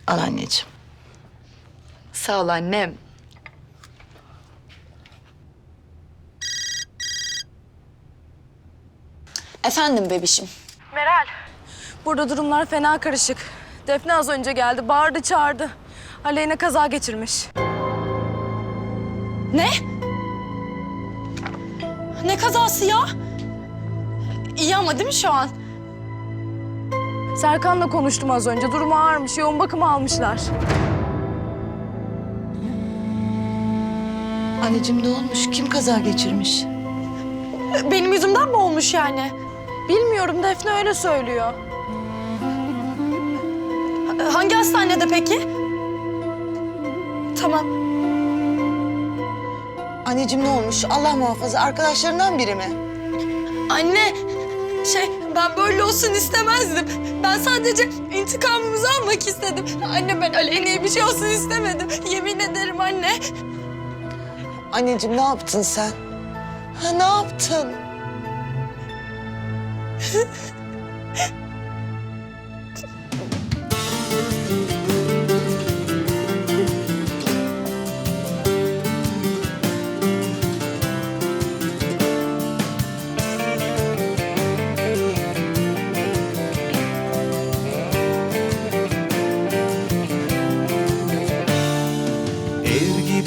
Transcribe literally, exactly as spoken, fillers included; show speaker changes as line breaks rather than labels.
Al anneciğim.
Sağ ol annem.
Efendim bebişim.
Meral. Burada durumlar fena karışık. Defne az önce geldi, bağırdı çağırdı. Aleyna kaza geçirmiş.
Ne? Ne kazası ya? İyi ama değil mi şu an?
Serkan'la konuştum az önce. Durumu ağırmış, yoğun bakıma almışlar.
Anneciğim ne olmuş? Kim kaza geçirmiş?
Benim yüzümden mi olmuş yani?
Bilmiyorum, Defne öyle söylüyor.
Hangi hastanede peki? Tamam.
Anneciğim ne olmuş? Allah muhafaza arkadaşlarından biri mi?
Anne, şey ben böyle olsun istemezdim. Ben sadece intikamımızı almak istedim. Anne ben Aleyna'ya bir şey olsun istemedim. Yemin ederim anne.
Anneciğim ne yaptın sen? Ha, ne yaptın?